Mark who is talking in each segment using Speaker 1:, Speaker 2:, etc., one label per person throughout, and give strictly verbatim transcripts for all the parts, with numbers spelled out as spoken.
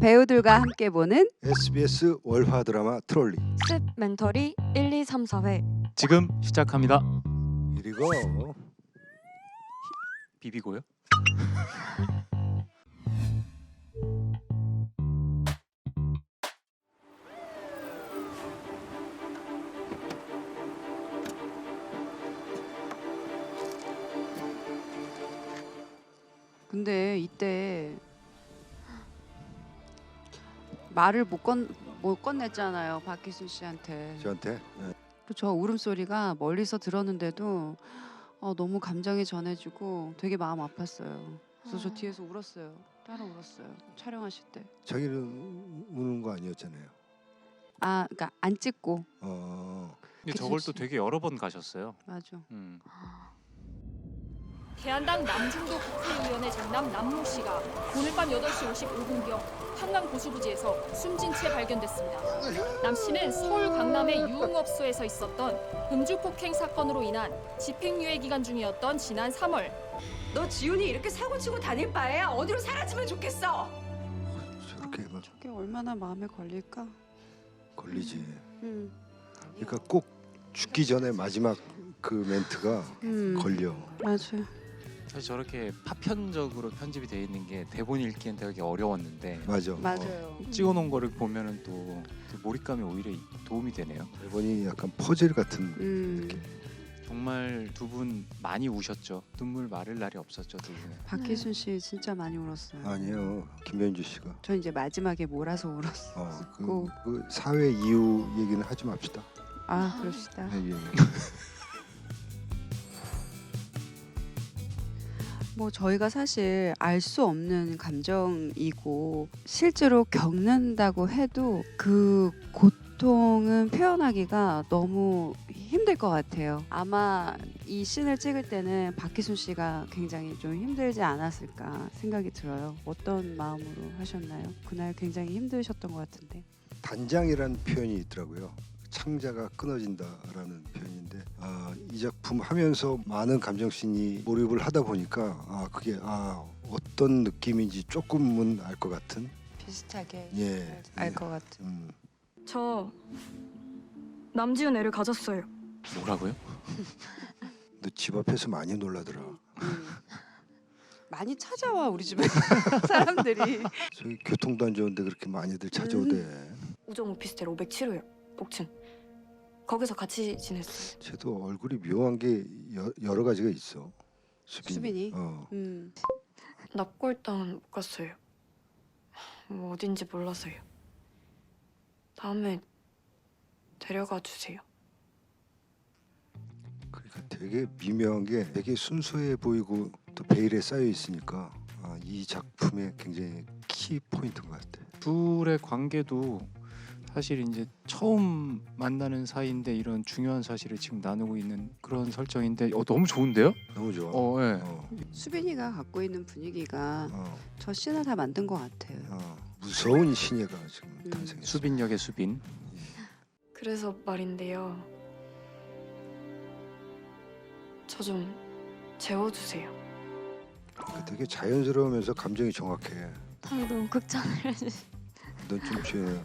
Speaker 1: 배우들과 함께 보는
Speaker 2: 에스비에스 월화 드라마 트롤리
Speaker 3: 습 멘터리 일, 이, 삼, 사 회
Speaker 4: 지금 시작합니다.
Speaker 2: 이리고
Speaker 4: 비비고요.
Speaker 1: 근데 이때 말을 못, 건, 못 건넸잖아요, 박희순 씨한테.
Speaker 2: 저한테 네.
Speaker 1: 저 울음소리가 멀리서 들었는데도 어, 너무 감정이 전해지고 되게 마음 아팠어요. 그래서 저 뒤에서 울었어요. 따라 울었어요. 촬영하실 때.
Speaker 2: 자기는 우는 거 아니었잖아요.
Speaker 1: 아, 그러니까 안 찍고.
Speaker 2: 어,
Speaker 4: 근데
Speaker 1: 그치,
Speaker 4: 저걸
Speaker 1: 그치.
Speaker 4: 또 되게 여러 번 가셨어요.
Speaker 1: 맞아.
Speaker 4: 음.
Speaker 5: 대한당 남중도 국회의원의 장남 남모 씨가 오늘 밤 여덟 시 오십오 분경 한강 고수부지에서 숨진 채 발견됐습니다. 남 씨는 서울 강남의 유흥업소에서 있었던 음주 폭행 사건으로 인한 집행유예 기간 중이었던 지난 삼월
Speaker 6: 너 지훈이 이렇게 사고치고 다닐 바에야 어디로 사라지면 좋겠어.
Speaker 2: 저렇게 막
Speaker 1: 저게 얼마나 마음에 걸릴까?
Speaker 2: 걸리지.
Speaker 1: 음.
Speaker 2: 그러니까 꼭 죽기 전에 마지막 그 멘트가
Speaker 1: 음.
Speaker 2: 걸려.
Speaker 1: 맞아요.
Speaker 4: 사실 저렇게 파편적으로 편집이 돼 있는 게 대본 읽기엔 되게 어려웠는데
Speaker 2: 맞아. 어.
Speaker 1: 맞아요.
Speaker 4: 찍어놓은 거를 보면은 또 몰입감이 오히려 도움이 되네요.
Speaker 2: 대본이 약간 퍼즐 같은
Speaker 1: 음.
Speaker 2: 느낌.
Speaker 4: 정말 두 분 많이 우셨죠. 눈물 마를 날이 없었죠, 두 분은.
Speaker 1: 박희순 씨 진짜 많이 울었어요.
Speaker 2: 아니에요. 김현주 씨가.
Speaker 1: 저 이제 마지막에 몰아서 울었어.
Speaker 2: 어, 그,
Speaker 1: 고.
Speaker 2: 그 사회 이후 얘기는 하지 맙시다.
Speaker 1: 아, 그럽시다.
Speaker 2: 예, 예.
Speaker 1: 뭐 저희가 사실 알 수 없는 감정이고 실제로 겪는다고 해도 그 고통은 표현하기가 너무 힘들 것 같아요. 아마 이 씬을 찍을 때는 박희순 씨가 굉장히 좀 힘들지 않았을까 생각이 들어요. 어떤 마음으로 하셨나요? 그날 굉장히 힘드셨던 것 같은데.
Speaker 2: 단장이라는 표현이 있더라고요. 창자가 끊어진다라는 표현인데 아, 이 작품 하면서 많은 감정씬이 몰입을 하다 보니까 아 그게 아 어떤 느낌인지 조금은 알 것 같은
Speaker 1: 비슷하게
Speaker 2: 예,
Speaker 1: 알 것 같은.
Speaker 2: 음.
Speaker 3: 저 남지훈 애를 가졌어요.
Speaker 4: 뭐라고요?
Speaker 2: 너 집 앞에서 많이 놀라더라.
Speaker 1: 음. 많이 찾아와 우리 집에 사람들이.
Speaker 2: 저기 교통도 안 좋은데 그렇게 많이들 찾아오대.
Speaker 3: 우정 오피스텔 오백칠 호요. 옥춘. 거기서 같이 지냈어요.
Speaker 2: 쟤도 얼굴이 묘한 게 여, 여러 가지가 있어. 수빈이.
Speaker 1: 수빈이?
Speaker 2: 어.
Speaker 1: 음.
Speaker 3: 납골당은 못 갔어요. 뭐 어딘지 몰라서요. 다음에 데려가 주세요.
Speaker 2: 그러니까 되게 미묘한 게 되게 순수해 보이고 또 베일에 쌓여 있으니까 아, 이 작품의 굉장히 키 포인트인 것 같아.
Speaker 4: 둘의 관계도 사실 이제 처음 만나는 사이인데 이런 중요한 사실을 지금 나누고 있는 그런 설정인데 어, 너무 좋은데요?
Speaker 2: 너무 좋아.
Speaker 4: 어, 예.
Speaker 2: 어,
Speaker 1: 수빈이가 갖고 있는 분위기가
Speaker 2: 어,
Speaker 1: 저 씬을 다 만든 것 같아요.
Speaker 2: 어. 무서운 신예가 지금
Speaker 1: 음.
Speaker 2: 탄생했어.
Speaker 4: 수빈 역의 수빈.
Speaker 3: 그래서 말인데요. 저 좀 재워주세요.
Speaker 2: 그러니까 되게 자연스러우면서 감정이 정확해.
Speaker 3: 다음에 너무 극찬을 해주시.
Speaker 2: 넌 좀 조용해.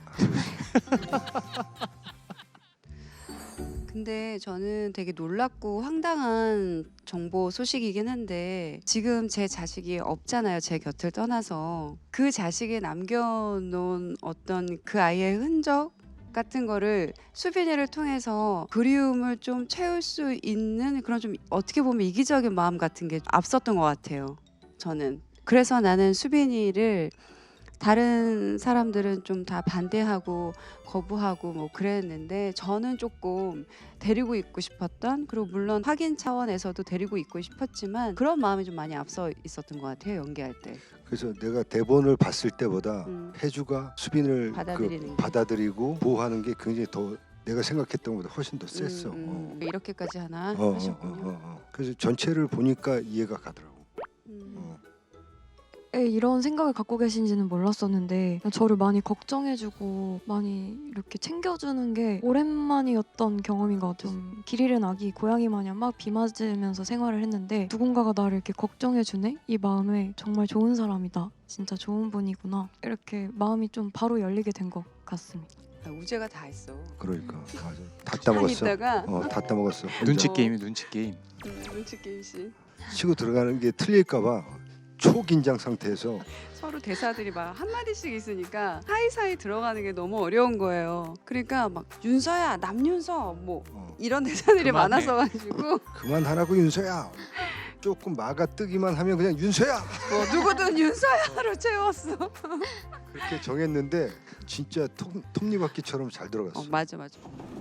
Speaker 1: 근데 저는 되게 놀랍고 황당한 정보 소식이긴 한데 지금 제 자식이 없잖아요. 제 곁을 떠나서 그 자식이 남겨놓은 어떤 그 아이의 흔적 같은 거를 수빈이를 통해서 그리움을 좀 채울 수 있는 그런 좀 어떻게 보면 이기적인 마음 같은 게 앞섰던 것 같아요. 저는 그래서 나는 수빈이를 다른 사람들은 좀 다 반대하고 거부하고 뭐 그랬는데 저는 조금 데리고 있고 싶었던, 그리고 물론 확인 차원에서도 데리고 있고 싶었지만 그런 마음이 좀 많이 앞서 있었던 것 같아요, 연기할 때.
Speaker 2: 그래서 내가 대본을 봤을 때보다
Speaker 1: 음.
Speaker 2: 혜주가 수빈을
Speaker 1: 받아들이는
Speaker 2: 그
Speaker 1: 게.
Speaker 2: 받아들이고 보호하는 게 굉장히 더 내가 생각했던 것보다 훨씬 더 셌어.
Speaker 1: 음, 음. 이렇게까지 하나
Speaker 2: 어. 어, 어,
Speaker 1: 하셨군요.
Speaker 2: 어, 어. 그래서 전체를 보니까 이해가 가더라고.
Speaker 1: 음.
Speaker 2: 어.
Speaker 7: 이런 생각을 갖고 계신지는 몰랐었는데 저를 많이 걱정해주고 많이 이렇게 챙겨주는 게 오랜만이었던 경험인 것 같아요. 좀 길 잃은 아기 고양이 마냥 막 비 맞으면서 생활을 했는데 누군가가 나를 이렇게 걱정해주네? 이 마음에 정말 좋은 사람이다. 진짜 좋은 분이구나. 이렇게 마음이 좀 바로 열리게 된 것 같습니다.
Speaker 1: 아, 우재가 다 했어.
Speaker 2: 그러니까 맞아. 다
Speaker 1: 한
Speaker 2: 따먹었어.
Speaker 1: 있다가
Speaker 2: 어, 다 따먹었어.
Speaker 4: 눈치
Speaker 1: 어.
Speaker 4: 게임이 눈치 게임.
Speaker 1: 음, 눈치 게임씨.
Speaker 2: 치고 들어가는 게 틀릴까봐 초긴장 상태에서
Speaker 1: 서로 대사들이 막 한마디씩 있으니까 사이사이 들어가는 게 너무 어려운 거예요. 그러니까 막 윤서야, 남윤서 뭐
Speaker 2: 어,
Speaker 1: 이런 대사들이
Speaker 4: 그만해.
Speaker 1: 많아서 가지고
Speaker 2: 그만하라고 윤서야. 조금 막아 뜨기만 하면 그냥 윤서야.
Speaker 1: 뭐 누구든 윤서야로 채웠어.
Speaker 2: 그렇게 정했는데 진짜 톱, 톱니바퀴처럼 잘 들어갔어.
Speaker 1: 어, 맞아 맞아.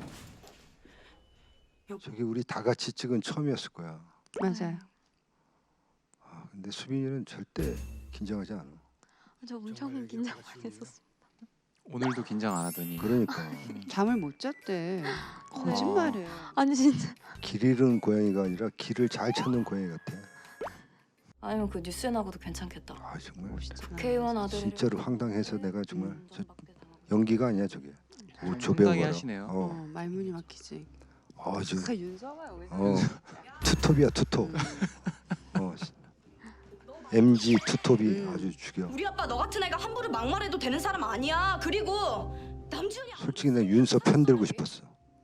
Speaker 2: 저기 우리 다 같이 찍은 처음이었을 거야.
Speaker 1: 맞아요.
Speaker 2: 아, 근데 수빈이는 절대 긴장하지 않아.
Speaker 7: 저 엄청 긴장 많이 했었어요.
Speaker 4: 오늘도 긴장 안 하더니.
Speaker 2: 그러니까
Speaker 1: 잠을 못 잤대. 거짓말해.
Speaker 7: 아니 진짜
Speaker 2: 길 잃은 고양이가 아니라 길을 잘 찾는 고양이 같아.
Speaker 3: 아니면 그 뉴스에 나고도 괜찮겠다.
Speaker 2: 아 정말
Speaker 1: 멋있잖아.
Speaker 3: 국회의원 아들이
Speaker 2: 진짜로 황당해서 내가 정말
Speaker 3: 음,
Speaker 2: 저
Speaker 3: 밖에 당하고.
Speaker 2: 연기가 아니야 저게. 오,
Speaker 4: 좀
Speaker 2: 조배우
Speaker 4: 황당해
Speaker 2: 봐라.
Speaker 4: 하시네요.
Speaker 1: 어,
Speaker 2: 어,
Speaker 1: 말문이 막히지.
Speaker 2: 아, 저,
Speaker 1: 그 윤서가 여기서.
Speaker 2: 어, 투톱이야 투톱.
Speaker 1: 음.
Speaker 2: 어, 엠지 투톱이
Speaker 1: 음.
Speaker 2: 아주 죽여.
Speaker 6: 우리 아빠 너 같은 애가 함부로 막말해도 되는 사람 아니야. 그리고 남준이
Speaker 2: 솔직히 나 윤서 편 들고 싶었어.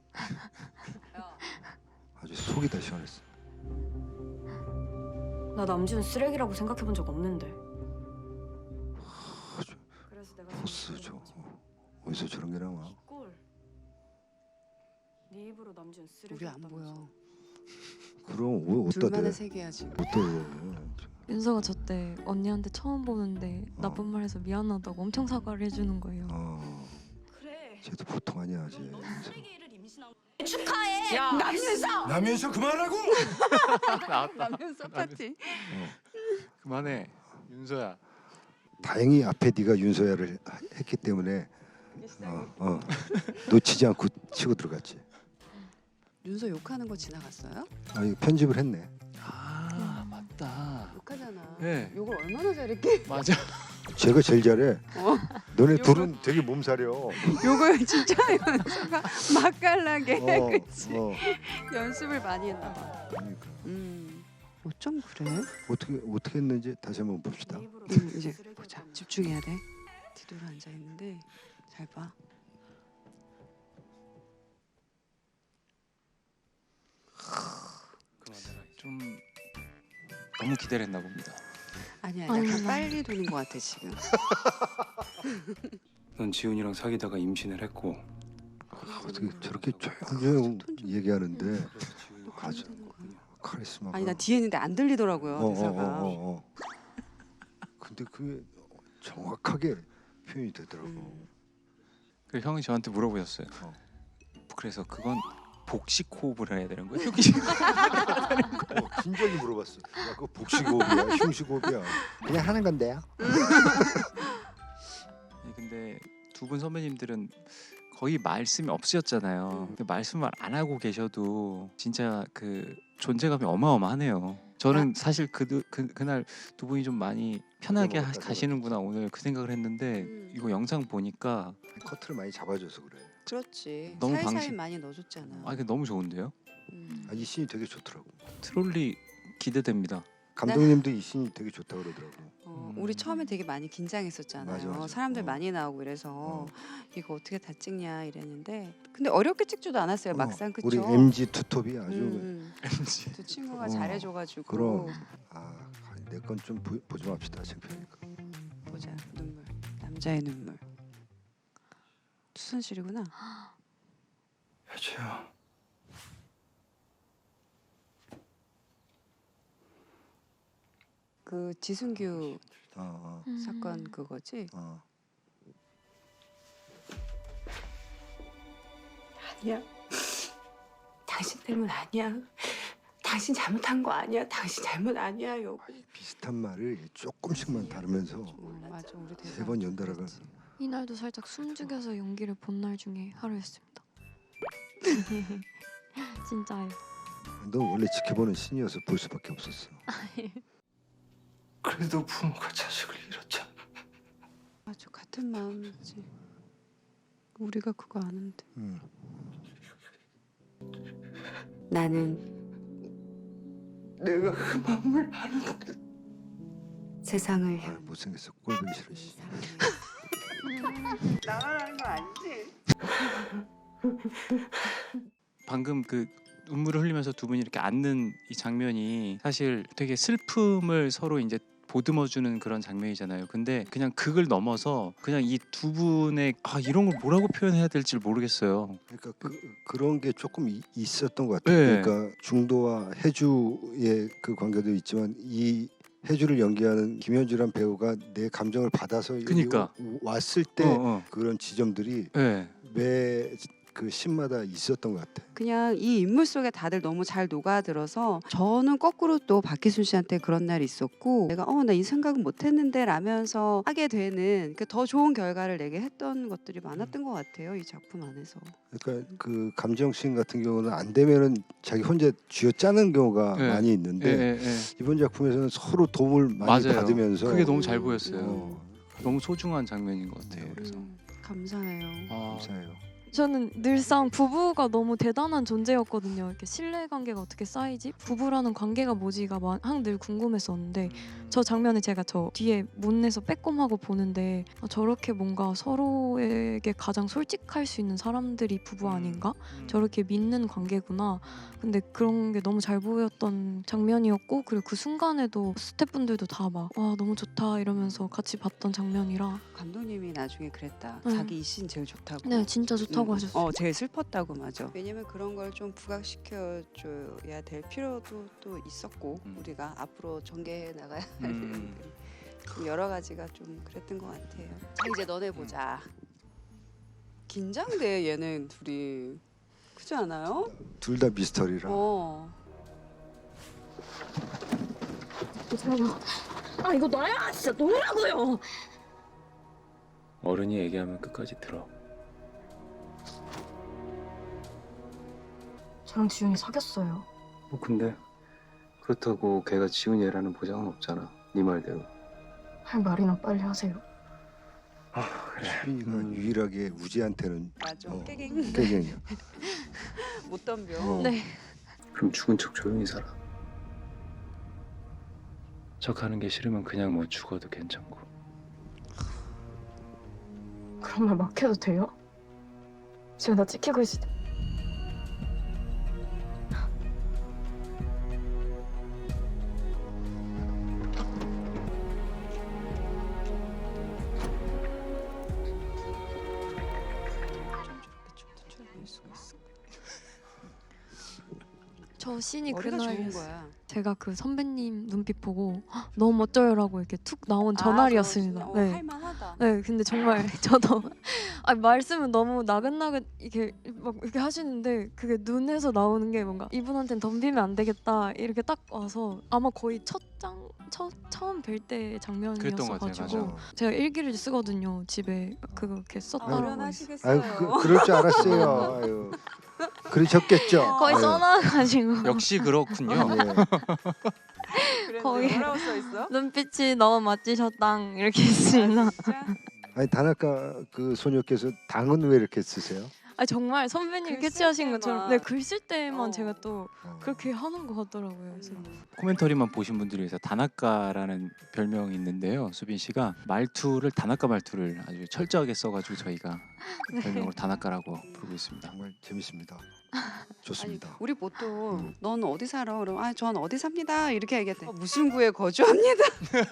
Speaker 2: 아주 속이 다 시원했어.
Speaker 3: 나 남준 쓰레기라고 생각해본 적 없는데.
Speaker 2: 아주
Speaker 3: 그래서 내가
Speaker 2: 보스 저 어디서 저런 게 나와?
Speaker 3: 꼴. 네 입으로 남준 쓰레기.
Speaker 1: 우리 안 보여.
Speaker 2: 그럼 옷 어디다 대?
Speaker 1: 둘만의 세계야 지금.
Speaker 2: 어디다 대?
Speaker 7: 윤서가 저 때 언니한테 처음 보는데
Speaker 2: 어.
Speaker 7: 나쁜 말 해서 미안하다고 엄청 사과를 해주는 거예요.
Speaker 2: 어,
Speaker 6: 그래.
Speaker 2: 쟤도 보통 아니야 쟤.
Speaker 6: 너 쓰레기를 임신한 거. 축하해. 남윤서.
Speaker 2: 남윤서 그만하고.
Speaker 4: 나왔다.
Speaker 1: 남윤서 파티.
Speaker 4: 그만해. 윤서야.
Speaker 2: 다행히 앞에 네가 윤서야를 하- 했기 때문에 어, 어, 놓치지 않고 치고 들어갔지.
Speaker 1: 윤서 욕하는 거 지나갔어요?
Speaker 2: 아 이거 편집을 했네.
Speaker 4: 아 맞다.
Speaker 1: 욕하잖아.
Speaker 4: 네.
Speaker 1: 욕을 얼마나 잘했게.
Speaker 4: 맞아.
Speaker 2: 제가 제일 잘해.
Speaker 1: 어.
Speaker 2: 너네
Speaker 1: 요거-
Speaker 2: 둘은 되게 몸살이여.
Speaker 1: 욕을 진짜 윤서가 맛깔나게
Speaker 2: 어,
Speaker 1: 그치?
Speaker 2: 어.
Speaker 1: 연습을 많이 했나 봐.
Speaker 2: 그러니까.
Speaker 1: 음. 어쩜 그래?
Speaker 2: 어떻게 어떻게 했는지 다시 한번 봅시다.
Speaker 3: 네 입으로
Speaker 1: 음,
Speaker 3: 남준
Speaker 1: 이제
Speaker 3: 쓰레기였다는
Speaker 1: 보자.
Speaker 3: 거.
Speaker 1: 집중해야 돼. 뒤돌아 앉아 있는데 잘 봐.
Speaker 4: 좀 너무 기대를 했나 봅니다.
Speaker 1: 아니야,
Speaker 7: 아니,
Speaker 1: 약간
Speaker 7: 나-
Speaker 1: 빨리 도는 것 같아 지금.
Speaker 8: 넌 지훈이랑 사귀다가 임신을 했고
Speaker 2: 어떻게 저렇게 조용조용 얘기하는데
Speaker 1: 너
Speaker 2: 아주
Speaker 1: 그러면 되는 거야.
Speaker 2: 카리스마가.
Speaker 1: 아니 나 뒤에 있는데 안 들리더라고요
Speaker 2: 어, 어,
Speaker 1: 대사가.
Speaker 2: 어, 어, 어. 근데 그게 정확하게 표현이 되더라고.
Speaker 1: 음.
Speaker 4: 그래서 형이 저한테 물어보셨어요.
Speaker 2: 어.
Speaker 4: 그래서 그건 복식 호흡을 해야 되는 거예요?
Speaker 2: 어, 진작에 물어봤어. 야, 그거 복식호흡이야, 흉식호흡이야. 그냥 하는 건데요.
Speaker 4: 예, 근데 두 분 선배님들은 거의 말씀이 없으셨잖아요. 근데 말씀을 안 하고 계셔도 진짜 그 존재감이 어마어마하네요. 저는 사실 그, 그 그날 두 분이 좀 많이 편하게 하,
Speaker 2: 먹었다,
Speaker 4: 가시는구나 오늘 그 생각을 했는데
Speaker 1: 음.
Speaker 4: 이거 영상 보니까
Speaker 2: 커트를 많이 잡아줘서 그래.
Speaker 1: 그렇지.
Speaker 4: 너무
Speaker 1: 살살
Speaker 4: 방식-
Speaker 1: 많이 넣어줬잖아.
Speaker 4: 아 이게 너무 좋은데요?
Speaker 1: 음.
Speaker 2: 아, 이 씬이 되게 좋더라고.
Speaker 4: 트롤리 기대됩니다.
Speaker 2: 감독님도 이 씬이 되게 좋다 그러더라고.
Speaker 1: 어,
Speaker 4: 음.
Speaker 1: 우리 처음에 되게 많이 긴장했었잖아요.
Speaker 2: 맞아, 맞아.
Speaker 1: 사람들
Speaker 2: 어.
Speaker 1: 많이 나오고 이래서
Speaker 2: 어.
Speaker 1: 이거 어떻게 다 찍냐 이랬는데 근데 어렵게 찍지도 않았어요.
Speaker 2: 어,
Speaker 1: 막상 그쵸?
Speaker 2: 우리 엠지 투톱이 아주
Speaker 1: 음, 두 친구가
Speaker 2: 어,
Speaker 1: 잘해줘가지고
Speaker 2: 그럼. 아, 내 건 좀 보지 맙시다. 창피하니까.
Speaker 1: 보자 눈물 남자의 눈물 수선실이구나.
Speaker 8: 혜주야
Speaker 1: 그 지순규
Speaker 2: 어,
Speaker 7: 음.
Speaker 1: 사건 그거지?
Speaker 2: 어, 어.
Speaker 6: 아니야. 당신 때문 아니야. 당신 잘못한 거 아니야. 당신 잘못 아니야. 여보.
Speaker 2: 비슷한 말을 조금씩만 다르면서
Speaker 1: 음, 맞아 우리 대사
Speaker 2: 세 번 연달아가.
Speaker 7: 이날도 살짝 숨죽여서 연기를 본 날 중에 하루였습니다. 진짜요.
Speaker 2: 넌 원래 지켜보는 신이어서 볼 수밖에 없었어.
Speaker 8: 그래도 부모가 자식을 잃었잖아.
Speaker 1: 아주 같은 마음이지. 우리가 그거 아는데.
Speaker 2: 음.
Speaker 6: 나는
Speaker 8: 내가 그 마음을 아는데.
Speaker 6: 세상을
Speaker 2: 아, 못생겼어. 꼴보기 싫어. 씨.
Speaker 6: 나가라는 거 아니지?
Speaker 4: 방금 그 눈물을 흘리면서 두 분이 이렇게 앉는 이 장면이 사실 되게 슬픔을 서로 이제 보듬어주는 그런 장면이잖아요. 근데 그냥 그걸 넘어서 그냥 이 두 분의 아 이런 걸 뭐라고 표현해야 될지 모르겠어요.
Speaker 2: 그러니까 그, 그런 게 조금 이, 있었던 것 같아요.
Speaker 4: 네.
Speaker 2: 그러니까 중도와 해주의 그 관계도 있지만 이 해주를 연기하는 김현주란 배우가 내 감정을 받아서 여기
Speaker 4: 그니까.
Speaker 2: 왔을 때
Speaker 4: 어, 어.
Speaker 2: 그런 지점들이
Speaker 4: 네.
Speaker 2: 매 그 씬마다 있었던 것 같아.
Speaker 1: 그냥 이 인물 속에 다들 너무 잘 녹아들어서 저는 거꾸로 또 박희순 씨한테 그런 날이 있었고 내가 어 나 이 생각은 못했는데 라면서 하게 되는 그 더 좋은 결과를 내게 했던 것들이 많았던 것 같아요. 이 작품 안에서.
Speaker 2: 그러니까 그 감정씬 같은 경우는 안 되면은 자기 혼자 쥐어 짜는 경우가
Speaker 4: 네.
Speaker 2: 많이
Speaker 4: 예,
Speaker 2: 있는데
Speaker 4: 예, 예.
Speaker 2: 이번 작품에서는 서로 도움을 많이
Speaker 4: 맞아요.
Speaker 2: 받으면서
Speaker 4: 그게 너무 잘 보였어요.
Speaker 2: 어,
Speaker 4: 너무 소중한 장면인 것 같아요. 그래서
Speaker 1: 음, 감사해요.
Speaker 4: 아,
Speaker 2: 감사해요.
Speaker 7: 저는 늘상 부부가 너무 대단한 존재였거든요. 이렇게 신뢰 관계가 어떻게 쌓이지? 부부라는 관계가 뭐지가 항 늘 궁금했었는데 저 장면에 제가 저 뒤에 문에서 빼꼼하고 보는데 아, 저렇게 뭔가 서로에게 가장 솔직할 수 있는 사람들이 부부 아닌가? 저렇게 믿는 관계구나. 근데 그런 게 너무 잘 보였던 장면이었고 그리고 그 순간에도 스태프분들도 다 막 와 너무 좋다 이러면서 같이 봤던 장면이라
Speaker 1: 감독님이 나중에 그랬다.
Speaker 7: 네.
Speaker 1: 자기 이 씬 제일 좋다고.
Speaker 7: 네 진짜 좋다고
Speaker 1: 음,
Speaker 7: 하셨어요.
Speaker 1: 어, 제일 슬펐다고 맞아. 왜냐면 그런 걸 좀 부각시켜 줘야 될 필요도 또 있었고
Speaker 4: 음.
Speaker 1: 우리가 앞으로 전개해 나가야 할
Speaker 4: 음.
Speaker 1: 일들이 좀 여러 가지가 좀 그랬던 것 같아요. 자 이제 너네 보자. 긴장돼 얘는 둘이. 그렇지 않아요?
Speaker 2: 둘 다 미스터리라.
Speaker 1: 어.
Speaker 3: 아 이거 나야 진짜 노라고요.
Speaker 8: 어른이 얘기하면 끝까지 들어.
Speaker 3: 저랑 지훈이 사귀었어요.
Speaker 8: 뭐 근데 그렇다고 걔가 지훈이 애라는 보장은 없잖아. 네 말대로.
Speaker 3: 할 말이나 빨리 하세요.
Speaker 8: 아 그래.
Speaker 2: 수빈이가
Speaker 4: 음.
Speaker 2: 유일하게 우지한테는
Speaker 1: 맞아.
Speaker 2: 어.
Speaker 1: 깨갱
Speaker 2: 깨갱이야.
Speaker 1: 못 덤벼.
Speaker 2: 어.
Speaker 7: 네.
Speaker 8: 그럼 죽은 척 조용히 살아. 척하는 게 싫으면 그냥 뭐 죽어도 괜찮고.
Speaker 3: 그런 말 막 해도 돼요? 지금 나 찍히고 있을 때.
Speaker 7: 저 씬이
Speaker 1: 머리가 좋은
Speaker 7: 그날
Speaker 1: 거야.
Speaker 7: 제가 그 선배님 눈빛 보고 "헉, 너무 멋져요라고 이렇게 툭 나온
Speaker 1: 아,
Speaker 7: 전날이었습니다.
Speaker 1: 저, 어,
Speaker 7: 네.
Speaker 1: 할만하다.
Speaker 7: 네, 근데 정말 저도 아 말씀은 너무 나긋나긋 이렇게 막 이렇게 하시는데 그게 눈에서 나오는 게 뭔가 이분한테는 덤비면 안 되겠다 이렇게 딱 와서 아마 거의 첫장 첫 처음 뵐 때
Speaker 4: 그랬던 것 같아요.
Speaker 7: 장면이었어가지고
Speaker 4: 맞아요.
Speaker 7: 제가 일기를 쓰거든요 집에 그거 이렇게
Speaker 1: 아,
Speaker 7: 썼더라고요.
Speaker 1: 어련하시겠어요.
Speaker 2: 아유 그, 그럴 줄 알았어요. 아유. 그러셨겠죠.
Speaker 7: 거의
Speaker 2: 아유.
Speaker 7: 써놔가지고
Speaker 4: 역시 그렇군요.
Speaker 2: 예.
Speaker 7: 거기-
Speaker 1: 뭐라고 써 있어?
Speaker 7: 눈빛이 너무 멋지셨당 이렇게 있습니다.
Speaker 1: 진짜?
Speaker 2: 아니 다나카 그 소녀께서 당은 왜 이렇게 쓰세요?
Speaker 7: 아 정말 선배님
Speaker 1: 글쓸
Speaker 7: 캐치하신 것처럼 네
Speaker 1: 때만.
Speaker 7: 글 쓸 때만
Speaker 1: 어.
Speaker 7: 제가 또
Speaker 2: 어.
Speaker 7: 그렇게 하는 것 같더라고요. 그래서
Speaker 4: 코멘터리만 보신 분들을 위해서 다나카라는 별명이 있는데요. 수빈 씨가 말투를 다나카 말투를 아주 철저하게 써가지고 저희가 별명을 다나카라고 부르고 있습니다.
Speaker 2: 정말 재밌습니다.
Speaker 1: 아니,
Speaker 2: 좋습니다.
Speaker 1: 우리 보통
Speaker 2: 음.
Speaker 1: 넌 어디 살아? 그럼 아, 전 어디 삽니다. 이렇게 얘기했대. 어, 무슨 구에 거주합니다.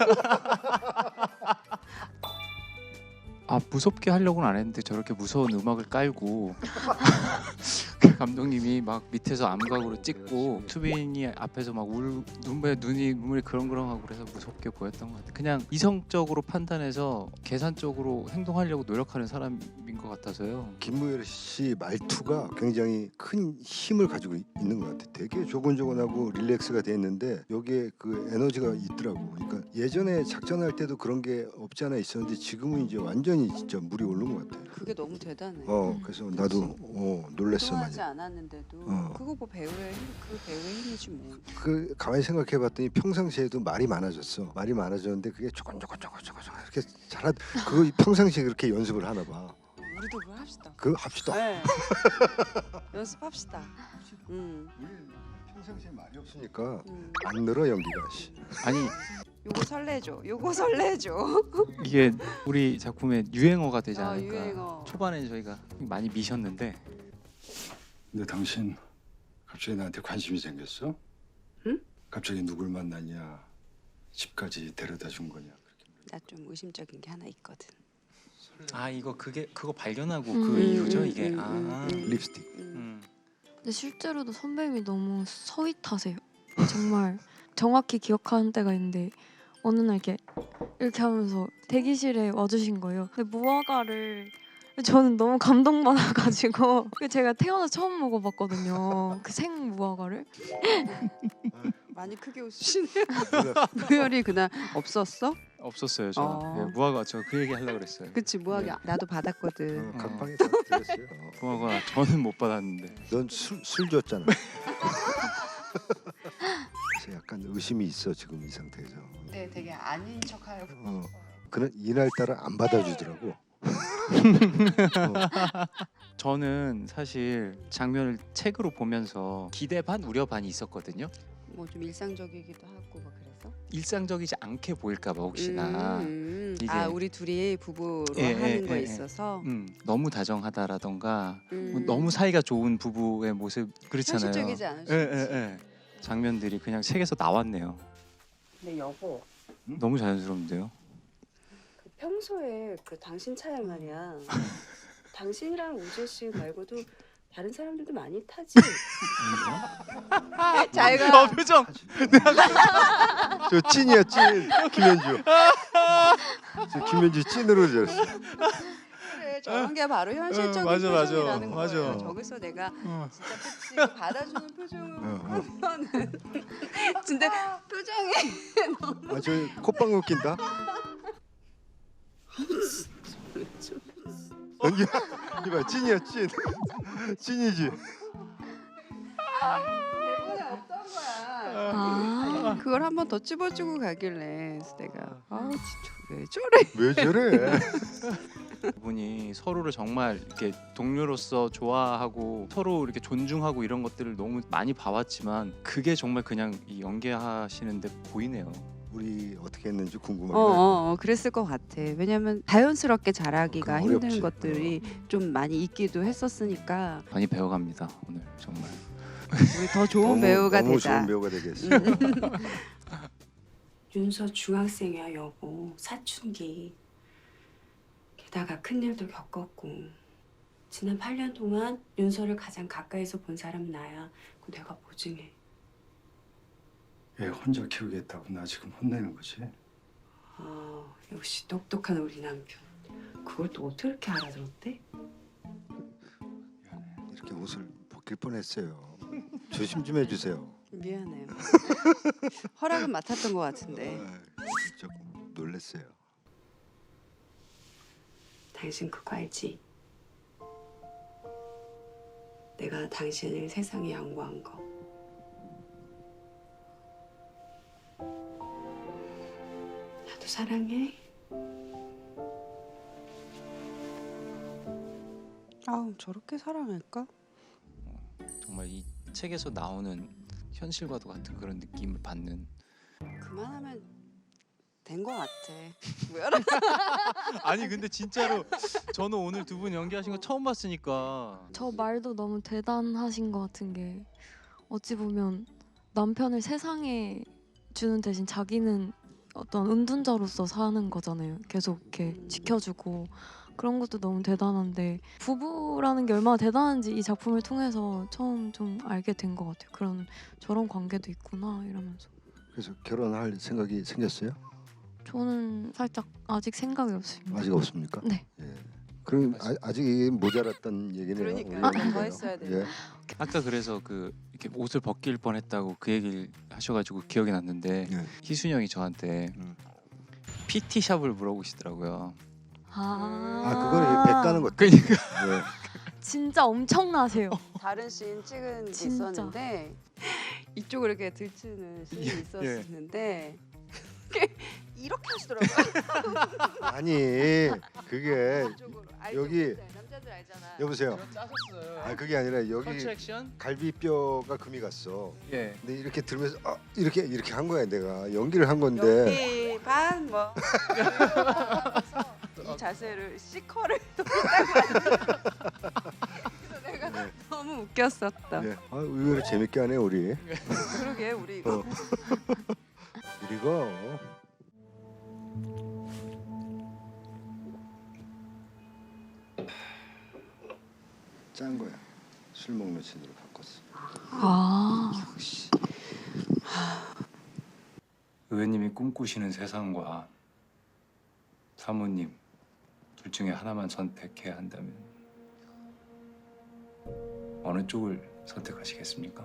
Speaker 4: 아 무섭게 하려고는 안 했는데 저렇게 무서운 음악을 깔고 그 감독님이 막 밑에서 암각으로 찍고 수빈이 앞에서 막 울 눈에 눈이 눈물이 그렁그렁하고 그래서 무섭게 보였던 것 같아요. 그냥 이성적으로 판단해서 계산적으로 행동하려고 노력하는 사람인 것 같아서요.
Speaker 2: 김무열 씨 말투가 굉장히 큰 힘을 가지고 있- 있는 것 같아. 되게 조곤조곤하고 릴렉스가 돼 있는데 여기에 그 에너지가 있더라고. 그러니까 예전에 작전할 때도 그런 게 없지 않아 있었는데 지금은 이제 완전히 진짜 물이 오른 것 같아.
Speaker 1: 그게 너무 대단해.
Speaker 2: 어,
Speaker 7: 음.
Speaker 2: 그래서 나도 어, 놀랬어 많이.
Speaker 1: 운동하지 않았는데도
Speaker 2: 어.
Speaker 1: 그거 뭐 배우의 힘, 그 배우의 힘이지 뭐.
Speaker 2: 그 가만히 생각해봤더니 평상시에도 말이 많아졌어. 말이 많아졌는데 그게 조곤조곤조곤조곤 이렇게 잘하. 그거 평상시에 그렇게 연습을 하나 봐.
Speaker 1: 우리도 그거 합시다.
Speaker 2: 그 합시다.
Speaker 1: 네. 연습합시다. 음.
Speaker 2: 우리 평상시에 말이 없으니까
Speaker 1: 음.
Speaker 2: 안 늘어 연기가. 씨.
Speaker 4: 아니
Speaker 1: 요거 설레죠. 요거 설레죠.
Speaker 4: 이게 우리 작품의 유행어가 되지
Speaker 1: 아,
Speaker 4: 않을까.
Speaker 1: 유행어.
Speaker 4: 초반에 저희가 많이 미셨는데
Speaker 2: 근데 당신 갑자기 나한테 관심이 생겼어?
Speaker 1: 응?
Speaker 2: 갑자기 누굴 만나냐? 집까지 데려다 준 거냐?
Speaker 1: 나 좀 의심적인 게 하나 있거든.
Speaker 4: 아 이거 그게 그거 발견하고
Speaker 7: 음,
Speaker 4: 그
Speaker 7: 음,
Speaker 4: 이후죠
Speaker 1: 음,
Speaker 4: 이게.
Speaker 1: 음,
Speaker 4: 아.
Speaker 1: 음, 음.
Speaker 2: 립스틱.
Speaker 1: 음.
Speaker 4: 음.
Speaker 7: 근데 실제로도 선배님이 너무 서윗하세요. 정말 정확히 기억하는 때가 있는데 어느 날 이렇게 이렇게 하면서 대기실에 와주신 거예요. 근데 무화과를 저는 너무 감동받아가지고 제가 태어나서 처음 먹어봤거든요. 그 생 무화과를.
Speaker 1: 많이 크게 웃으시네요. 무열이 그날 없었어?
Speaker 4: 없었어요 저.
Speaker 1: 어.
Speaker 4: 네, 무화과 저 그 얘기 하려고 그랬어요.
Speaker 1: 그치 무하게
Speaker 4: 네.
Speaker 1: 나도 받았거든.
Speaker 2: 어, 각방에 다 들었어요.
Speaker 4: 무화과 저는 못 받았는데.
Speaker 2: 넌술 술 줬잖아. 그래서 약간 의심이 있어 지금 이 상태에서.
Speaker 1: 네, 되게 아닌 척하여.
Speaker 2: 어, 그런 이날 따라 안 받아주더라고. 어,
Speaker 4: 저는 사실 장면을 책으로 보면서 기대 반 우려 반이 있었거든요.
Speaker 1: 뭐 좀 일상적이기도 하고 막 그래서.
Speaker 4: 일상적이지 않게 보일까봐 혹시나.
Speaker 1: 음,
Speaker 4: 이게-
Speaker 1: 아 우리 둘이 부부로
Speaker 4: 예,
Speaker 1: 하는
Speaker 4: 예,
Speaker 1: 거에
Speaker 4: 예, 예.
Speaker 1: 있어서
Speaker 4: 음, 너무 다정하다라던가
Speaker 1: 음,
Speaker 4: 뭐 너무 사이가 좋은 부부의 모습 그렇잖아요.
Speaker 1: 현실적이지 않을 수
Speaker 4: 예,
Speaker 1: 있지.
Speaker 4: 예, 예. 장면들이 그냥 책에서 나왔네요.
Speaker 1: 근데 여보,
Speaker 4: 너무 자연스러운데요.
Speaker 1: 그 평소에 그 당신 차에 말이야. 당신이랑 우재 씨 말고도 다른 사람들도 많이 타지. 자기가
Speaker 4: 어, 표정.
Speaker 2: 저 찐이야 찐. 김현주. 저 김현주 찐으로 들었어.
Speaker 1: 그래, 저런 게 바로 현실적인
Speaker 4: 어, 맞아, 맞아.
Speaker 1: 표정이라는
Speaker 4: 맞아.
Speaker 1: 거예요. 저기서 내가
Speaker 4: 어.
Speaker 1: 진짜 그치 그 받아주는 표정을
Speaker 2: 어, 어.
Speaker 1: 하면은 근데 표정이
Speaker 2: 아, 저 콧방울 웃긴다. 연기 이봐 찐이야 찐. 찐이지.
Speaker 1: 대본에 없던 거야.
Speaker 7: 아,
Speaker 1: 그걸 한 번 더 찝어주고 가길래 그래서 내가 아우 진짜 왜 저래?
Speaker 2: 왜 저래?
Speaker 4: 그분이 서로를 정말 이렇게 동료로서 좋아하고 서로 이렇게 존중하고 이런 것들을 너무 많이 봐왔지만 그게 정말 그냥 이 연기하시는데 보이네요.
Speaker 2: 우리 어떻게 했는지 궁금하네.
Speaker 1: 어, 어, 어 그랬을 것 같아. 왜냐면 자연스럽게 잘하기가
Speaker 2: 그건
Speaker 1: 힘든
Speaker 2: 어렵지.
Speaker 1: 것들이 좀 많이 있기도 했었으니까
Speaker 4: 많이 배워갑니다 오늘 정말.
Speaker 1: 우리 더 좋은
Speaker 2: 너무,
Speaker 1: 배우가
Speaker 2: 너무
Speaker 1: 되자.
Speaker 2: 좋은 배우가 되겠어.
Speaker 6: 윤서 중학생이야 여보. 사춘기. 게다가 큰일도 겪었고. 지난 팔 년 동안 윤서를 가장 가까이서 본 사람은 나야. 그거 내가 보증해.
Speaker 2: 얘 혼자 키우겠다고 나 지금 혼내는 거지.
Speaker 6: 아, 역시 똑똑한 우리 남편. 그걸 또 어떻게 그렇게 알아들었대?
Speaker 2: 이렇게 옷을 벗길 뻔했어요. 조심 좀 해주세요.
Speaker 1: 미안해요. 허락은 맡았던 것 같은데.
Speaker 2: 아, 조금 놀랬어요.
Speaker 6: 당신 그거 알지? 내가 당신을 세상에 양보한 거. 나도 사랑해.
Speaker 1: 아우 저렇게 사랑할까?
Speaker 4: 정말 이 책에서 나오는 현실과도 같은 그런 느낌을 받는.
Speaker 1: 그만하면 된 것 같아. 뭐야?
Speaker 4: 아니 근데 진짜로 저는 오늘 두 분 연기하신 거 처음 봤으니까.
Speaker 7: 저 말도 너무 대단하신 것 같은 게 어찌 보면 남편을 세상에 주는 대신 자기는 어떤 은둔자로서 사는 거잖아요. 계속 이렇게 지켜주고 그런 것도 너무 대단한데 부부라는 게 얼마나 대단한지 이 작품을 통해서 처음 좀 알게 된 것 같아요. 그런 저런 관계도 있구나 이러면서.
Speaker 2: 그래서 결혼할 생각이 생겼어요?
Speaker 7: 저는 살짝 아직 생각이 없습니다.
Speaker 2: 아직 없습니까?
Speaker 7: 네.
Speaker 2: 예. 그럼 아, 아직 이게 모자랐다는 얘기네요.
Speaker 1: 그러니까요.
Speaker 2: 우리
Speaker 1: 더
Speaker 2: 연기가요.
Speaker 1: 했어야
Speaker 2: 예.
Speaker 1: 되는데.
Speaker 4: 아까 그래서 그 이렇게 옷을 벗길 뻔했다고 그 얘기를 하셔가지고 기억이 났는데
Speaker 2: 예.
Speaker 4: 희순이 형이 저한테
Speaker 2: 음.
Speaker 4: 피티 샵을 물어보시더라고요.
Speaker 7: 아,
Speaker 2: 아 그거는 배 까는 것.
Speaker 4: 그러니까
Speaker 2: 예.
Speaker 7: 진짜 엄청나세요.
Speaker 1: 다른 씬 찍은 게
Speaker 7: 진짜.
Speaker 1: 있었는데 이쪽을 이렇게 들치는 씬이
Speaker 4: 예,
Speaker 1: 있었는데 이렇게 하시더라고요.
Speaker 2: 아니 그게
Speaker 1: 이쪽으로. 알죠?
Speaker 2: 여기-
Speaker 1: 남자들 알잖아.
Speaker 2: 여보세요.
Speaker 4: 짜셨어요.
Speaker 2: 아 그게 아니라 여기
Speaker 4: 컨트랙션?
Speaker 2: 갈비뼈가 금이 갔어.
Speaker 4: 예.
Speaker 2: 근데 이렇게 들면서 아, 이렇게 이렇게 한 거야 내가 연기를 한 건데.
Speaker 1: 연기 반뭐 이 자세를 C컬을 그래서 내가
Speaker 2: 네.
Speaker 1: 너무 웃겼었다.
Speaker 2: 네. 아, 의외로 재밌게 하네 우리.
Speaker 1: 그러게 우리 이거
Speaker 2: 어. 이거 짠 거야. 술 먹는 신으로 바꿨어.
Speaker 7: 아,
Speaker 8: 의원님이 꿈꾸시는 세상과 사모님 둘 중에 하나만 선택해야 한다면 어느 쪽을 선택하시겠습니까?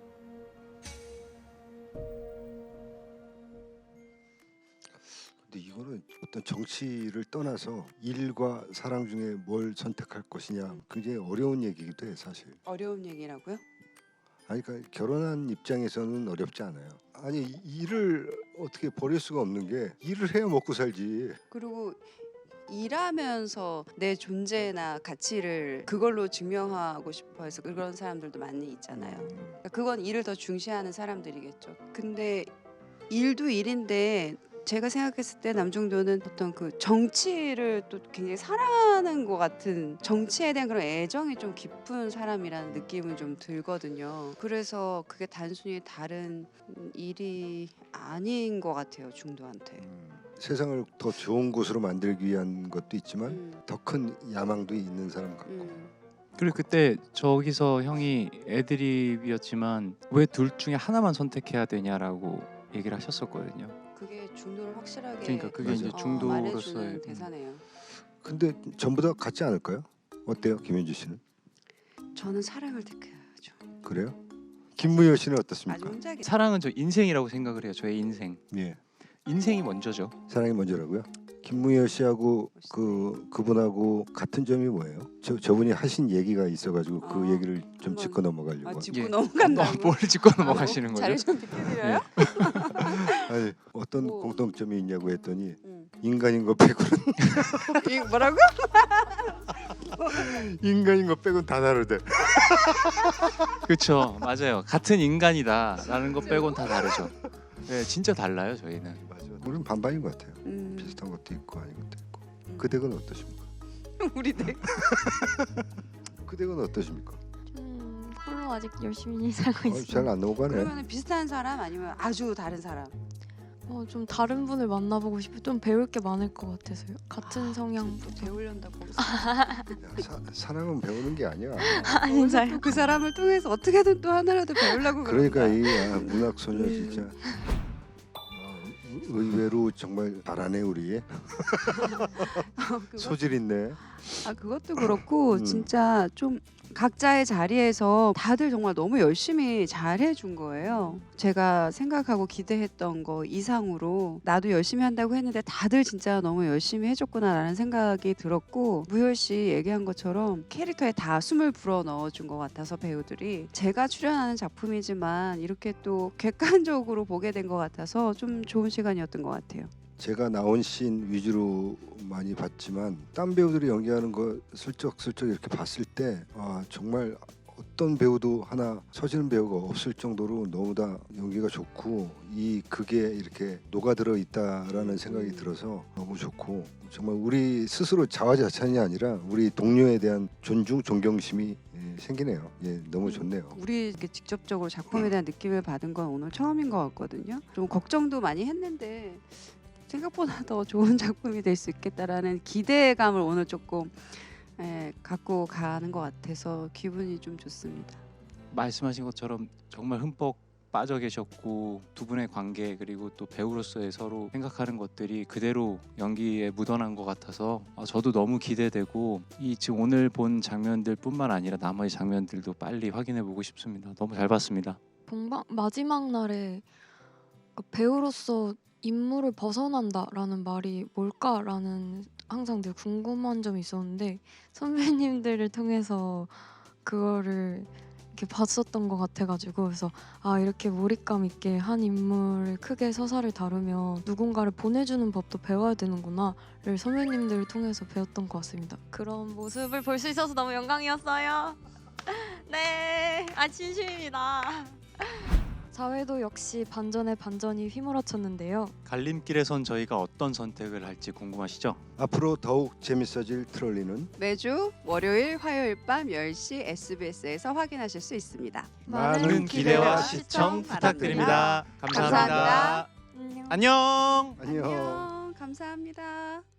Speaker 2: 근데 이거는 어떤 정치를 떠나서 일과 사랑 중에 뭘 선택할 것이냐 굉장히 어려운 얘기기도 해 사실.
Speaker 1: 어려운 얘기라고요?
Speaker 2: 아니 그러니까 결혼한 입장에서는 어렵지 않아요. 아니 이- 일을 어떻게 버릴 수가 없는 게 일을 해야 먹고 살지.
Speaker 1: 그리고 일하면서 내 존재나 가치를 그걸로 증명하고 싶어 해서 그런 사람들도 많이 있잖아요. 그러니까 그건 일을 더 중시하는 사람들이겠죠. 근데 일도 일인데 제가 생각했을 때 남중도는 어떤 그 정치를 또 굉장히 사랑하는 것 같은 정치에 대한 그런 애정이 좀 깊은 사람이라는 느낌은 좀 들거든요. 그래서 그게 단순히 다른 일이 아닌 것 같아요, 중도한테.
Speaker 2: 음, 세상을 더 좋은 곳으로 만들기 위한 것도 있지만
Speaker 1: 음,
Speaker 2: 더 큰 야망도 있는 사람 같고.
Speaker 1: 음.
Speaker 4: 그리고 그때 저기서 형이 애드립이었지만 왜 둘 중에 하나만 선택해야 되냐라고 얘기를 하셨었거든요.
Speaker 1: 그게 중도를 확실하게
Speaker 4: 그러니까 그게
Speaker 2: 맞아.
Speaker 4: 이제
Speaker 1: 어,
Speaker 4: 중도로서의
Speaker 1: 말해주는
Speaker 4: 음.
Speaker 1: 대사네요.
Speaker 2: 근데 전부 다 같지 않을까요? 어때요, 김현주 씨는?
Speaker 1: 저는 사랑을 택해야죠.
Speaker 2: 그래요? 김무열 씨는
Speaker 1: 아주
Speaker 2: 어떻습니까?
Speaker 1: 혼자기.
Speaker 4: 사랑은 저 인생이라고 생각을 해요. 저의 인생.
Speaker 2: 예,
Speaker 4: 인생이 먼저죠.
Speaker 2: 사랑이 먼저라고요? 김무열 씨하고 그 그분하고 같은 점이 뭐예요? 저 저분이 하신 얘기가 있어가지고 그
Speaker 1: 아,
Speaker 2: 얘기를 좀
Speaker 1: 한번-
Speaker 2: 짚고 넘어가려고.
Speaker 1: 아, 짚고
Speaker 4: 예.
Speaker 1: 넘어간다고.
Speaker 4: 뭘 짚고 넘어가시는 거죠?
Speaker 1: 자리 좀 비켜드려요?
Speaker 2: 아니 어떤
Speaker 1: 뭐.
Speaker 2: 공통점이 있냐고 했더니
Speaker 1: 응.
Speaker 2: 인간인 거 빼고는
Speaker 1: 이거 뭐라고?
Speaker 2: 인간인 거 빼고는 다 다르대.
Speaker 4: 그렇죠. 맞아요. 같은 인간이다라는 것 빼곤 다 다르죠. 네, 진짜 달라요 저희는.
Speaker 2: 맞아. 우리는 반반인 것 같아요.
Speaker 1: 음,
Speaker 2: 비슷한 것도 있고 아닌 것도 있고.
Speaker 1: 음.
Speaker 2: 그 댁은 어떠십니까?
Speaker 1: 우리 네.
Speaker 2: 그 댁은 어떠십니까?
Speaker 7: 좀 홀로 아직 열심히 살고
Speaker 2: 어,
Speaker 7: 있어요.
Speaker 2: 잘 안 넘어가네.
Speaker 1: 그러면 비슷한 사람 아니면 아주 다른 사람?
Speaker 7: 어, 좀 다른 분을 만나보고 싶어. 좀 배울 게 많을 것 같아서요. 같은 성향.
Speaker 1: 또 배우려다고.
Speaker 2: 야, 사, 사랑은 배우는 게 아니야.
Speaker 7: 아니 잘.
Speaker 1: 그 사람을 통해서 어떻게든 또 하나라도 배우려고
Speaker 2: 그러니까
Speaker 1: 그런다.
Speaker 2: 이 아, 문학 소녀
Speaker 1: 음.
Speaker 2: 진짜 아, 의- 의외로 정말 잘하네 우리.
Speaker 1: 그거-
Speaker 2: 소질 있네.
Speaker 1: 아 그것도 그렇고
Speaker 2: 음.
Speaker 1: 진짜 좀 각자의 자리에서 다들 정말 너무 열심히 잘 해준 거예요. 제가 생각하고 기대했던 거 이상으로 나도 열심히 한다고 했는데 다들 진짜 너무 열심히 해줬구나라는 생각이 들었고 무열 씨 얘기한 것처럼 캐릭터에 다 숨을 불어 넣어준 것 같아서 배우들이 제가 출연하는 작품이지만 이렇게 또 객관적으로 보게 된 것 같아서 좀 좋은 시간이었던 것 같아요.
Speaker 2: 제가 나온 씬 위주로 많이 봤지만 딴 배우들이 연기하는 거 슬쩍슬쩍 이렇게 봤을 때 아, 정말 어떤 배우도 하나 처지는 배우가 없을 정도로 너무 다 연기가 좋고 이 극에 이렇게 녹아들어 있다라는 생각이 들어서 너무 좋고 정말 우리 스스로 자화자찬이 아니라 우리 동료에 대한 존중, 존경심이 예, 생기네요. 예, 너무 좋네요.
Speaker 1: 우리 이렇게 직접적으로 작품에 대한 느낌을 받은 건 오늘 처음인 것 같거든요. 좀 걱정도 많이 했는데 생각보다 더 좋은 작품이 될 수 있겠다라는 기대감을 오늘 조금 예, 갖고 가는 것 같아서 기분이 좀 좋습니다.
Speaker 4: 말씀하신 것처럼 정말 흠뻑 빠져 계셨고 두 분의 관계 그리고 또 배우로서의 서로 생각하는 것들이 그대로 연기에 묻어난 것 같아서 아, 저도 너무 기대되고 이 지금 오늘 본 장면들뿐만 아니라 나머지 장면들도 빨리 확인해 보고 싶습니다. 너무 잘 봤습니다.
Speaker 7: 본방 마지막 날에 그 배우로서 임무를 벗어난다라는 말이 뭘까라는 항상 늘 궁금한 점이 있었는데 선배님들을 통해서 그거를 이렇게 봤었던 것 같아가지고 그래서 아 이렇게 몰입감 있게 한 인물을 크게 서사를 다루면 누군가를 보내주는 법도 배워야 되는구나를 선배님들을 통해서 배웠던 것 같습니다. 그런 모습을 볼 수 있어서 너무 영광이었어요. 네, 아 진심입니다. 사회도 역시 반전에 반전이 휘몰아쳤는데요.
Speaker 4: 갈림길에선 저희가 어떤 선택을 할지 궁금하시죠?
Speaker 2: 앞으로 더욱 재밌어질 트롤리는
Speaker 1: 매주 월요일, 화요일 밤 열 시 에스비에스에서 확인하실 수 있습니다.
Speaker 4: 많은 기대와 시청 부탁드립니다. 감사합니다.
Speaker 1: 감사합니다.
Speaker 7: 안녕.
Speaker 4: 안녕.
Speaker 2: 안녕.
Speaker 1: 안녕. 감사합니다.